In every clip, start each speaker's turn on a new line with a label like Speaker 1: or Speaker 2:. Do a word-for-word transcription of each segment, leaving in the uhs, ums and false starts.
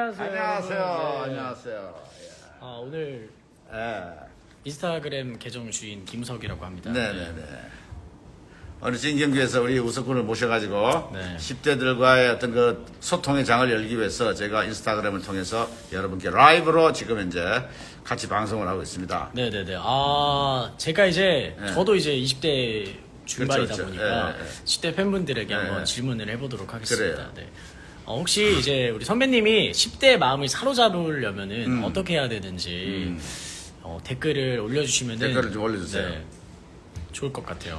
Speaker 1: 안녕하세요.
Speaker 2: 안녕하세요.
Speaker 1: 네.
Speaker 2: 안녕하세요.
Speaker 1: 아, 오늘
Speaker 2: 예.
Speaker 1: 인스타그램 계정 주인 김우석이라고 합니다.
Speaker 2: 네네네. 오늘 진경규에서 우리 우석군을 모셔가지고
Speaker 1: 네.
Speaker 2: 십 대들과의 어떤 그 소통의 장을 열기 위해서 제가 인스타그램을 통해서 여러분께 라이브로 지금 현재 같이 방송을 하고 있습니다.
Speaker 1: 네네네. 아, 제가 이제
Speaker 2: 네.
Speaker 1: 저도 이제 이십 대 중반이다
Speaker 2: 그렇죠, 그렇죠.
Speaker 1: 보니까
Speaker 2: 예, 예.
Speaker 1: 십 대 팬분들에게
Speaker 2: 예,
Speaker 1: 한번
Speaker 2: 예.
Speaker 1: 질문을 해보도록 하겠습니다.
Speaker 2: 그래요.
Speaker 1: 네. 어, 혹시 이제 우리 선배님이 십 대의 마음을 사로잡으려면은
Speaker 2: 음.
Speaker 1: 어떻게 해야 되는지
Speaker 2: 음.
Speaker 1: 어, 댓글을 올려주시면
Speaker 2: 댓글을 좀 올려주세요.
Speaker 1: 좋을 것 같아요.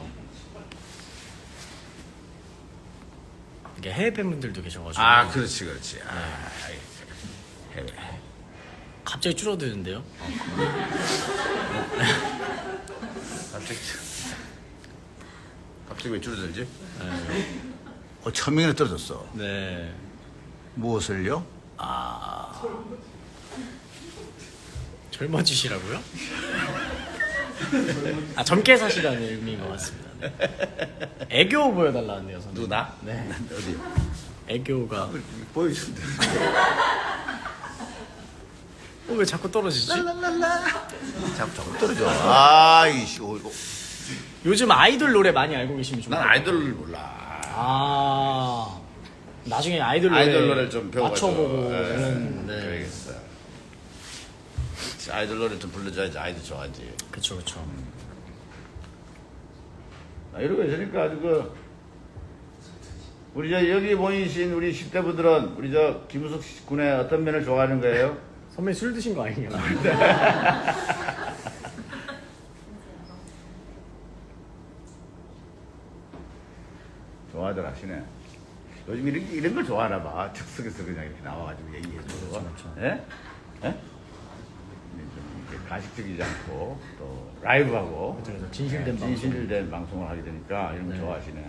Speaker 1: 이게 해외 팬분들도 계셔가지고
Speaker 2: 아, 그렇지, 그렇지. 아, 해외.
Speaker 1: 갑자기 줄어드는데요.
Speaker 2: 갑자기, 갑자기 왜 줄어들지?
Speaker 1: 네.
Speaker 2: 어, 천 명이나 떨어졌어.
Speaker 1: 네.
Speaker 2: 무엇을요?
Speaker 1: 아, 젊어지시라고요? 아, 젊게 사시라는 의미인 것 같습니다. 네. 애교 보여달라는데요, 선생님.
Speaker 2: 누나?
Speaker 1: 네.
Speaker 2: 어디?
Speaker 1: 애교가.
Speaker 2: 보여준대.
Speaker 1: 어, 왜 자꾸 떨어지지?
Speaker 2: 자꾸 자꾸 떨어져. 아이씨, 어, 이거.
Speaker 1: 요즘 아이돌 노래 많이 알고 계시면 좋을
Speaker 2: 난
Speaker 1: 것 같아요.
Speaker 2: 아이돌을 몰라.
Speaker 1: 아, 나중에 아이돌 노래
Speaker 2: 아이돌 노래를 좀 배워가지고.
Speaker 1: 맞춰보고
Speaker 2: 예,
Speaker 1: 이런. 네.
Speaker 2: 그래야겠어. 아이돌 노래 좀 불러줘야지 아이들 좋아하지.
Speaker 1: 그쵸, 그쵸.
Speaker 2: 아, 이러고 있으니까 아주 그 우리 저 여기 모이신 우리 십 대 분들은 우리 저 김우석 군의 어떤 면을 좋아하는 거예요?
Speaker 1: 선배님 술 드신 거 아니에요?
Speaker 2: 좋아들 하시네. 요즘 이런, 이런 걸 좋아하나 봐. 즉석에서 그냥 이렇게 나와가지고 얘기해주고.
Speaker 1: 그렇죠, 그렇죠.
Speaker 2: 예? 예? 좀 이렇게 가식적이지 않고 또 라이브하고
Speaker 1: 그렇죠. 진실된
Speaker 2: 예,
Speaker 1: 방송.
Speaker 2: 진실된 방송을 하게 되니까 이런 거
Speaker 1: 네.
Speaker 2: 좋아하시네.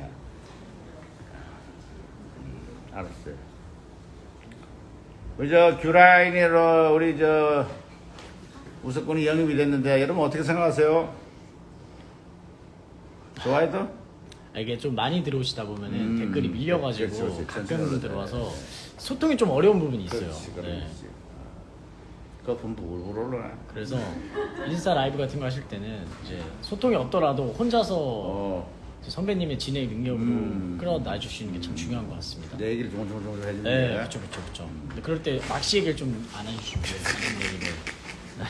Speaker 2: 음, 알았어요. 우리 저 규라인으로 우리 저 우석군이 영입이 됐는데 여러분 어떻게 생각하세요? 좋아해도?
Speaker 1: 이게 좀 많이 들어오시다 보면은
Speaker 2: 음,
Speaker 1: 댓글이 밀려가지고
Speaker 2: 그렇지, 그렇지.
Speaker 1: 가끔으로
Speaker 2: 전체적으로.
Speaker 1: 들어와서
Speaker 2: 네.
Speaker 1: 소통이 좀 어려운 부분이 있어요.
Speaker 2: 그렇지,
Speaker 1: 네.
Speaker 2: 그렇지. 그 분부 울울 올라네.
Speaker 1: 그래서 인스타 라이브 같은 거 하실 때는 이제 소통이 없더라도 혼자서
Speaker 2: 어,
Speaker 1: 이제 선배님의 진행 능력으로
Speaker 2: 음.
Speaker 1: 끌어놔 주시는 게 참 중요한 것 같습니다.
Speaker 2: 내 얘기를 조금조금 해주는
Speaker 1: 네,
Speaker 2: 게.
Speaker 1: 그렇죠, 그렇죠, 그렇죠. 근데 그럴 때 막시 얘기를 좀 안 해주시면 돼요. 이런 얘기를. 네.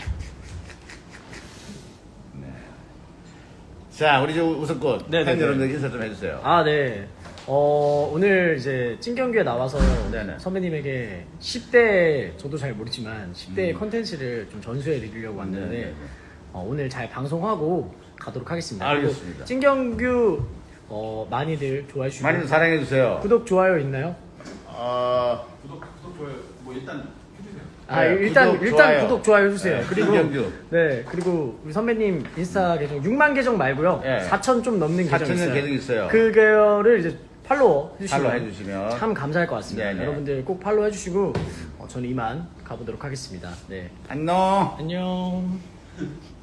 Speaker 2: 자, 우리 저 우석군
Speaker 1: 네, 네,
Speaker 2: 팬
Speaker 1: 네.
Speaker 2: 여러분들 인사 좀 해주세요.
Speaker 1: 아, 네. 어, 오늘 이제 찐경규에 나와서
Speaker 2: 네네.
Speaker 1: 선배님에게 십 대, 저도 잘 모르지만 십 대의
Speaker 2: 음.
Speaker 1: 컨텐츠를 좀 전수해 드리려고 왔는데
Speaker 2: 네네네.
Speaker 1: 어, 오늘 잘 방송하고 가도록 하겠습니다.
Speaker 2: 알겠습니다.
Speaker 1: 그리고 찐경규 어, 많이들 좋아해 주시고
Speaker 2: 많이 좀 사랑해 주세요.
Speaker 1: 구독, 좋아요 있나요?
Speaker 2: 어,
Speaker 3: 구독, 구독, 좋아요. 뭐 일단 해주세요.
Speaker 1: 아,
Speaker 2: 네,
Speaker 1: 일단
Speaker 2: 구독,
Speaker 1: 일단
Speaker 2: 좋아요.
Speaker 1: 구독 좋아요 해주세요.
Speaker 2: 네,
Speaker 1: 그리고
Speaker 2: 찐경규.
Speaker 1: 네 그리고 우리 선배님 인스타 계정 육만 계정 말고요
Speaker 2: 네.
Speaker 1: 사천 좀 넘는 계정
Speaker 2: 사천
Speaker 1: 있어요.
Speaker 2: 계정 있어요.
Speaker 1: 그거를 이제 팔로우 해주시면,
Speaker 2: 팔로우 해주시면
Speaker 1: 참 감사할 것 같습니다.
Speaker 2: 네네.
Speaker 1: 여러분들 꼭 팔로우 해주시고 어, 저는 이만 가보도록 하겠습니다. 네
Speaker 2: 안녕.
Speaker 1: 안녕.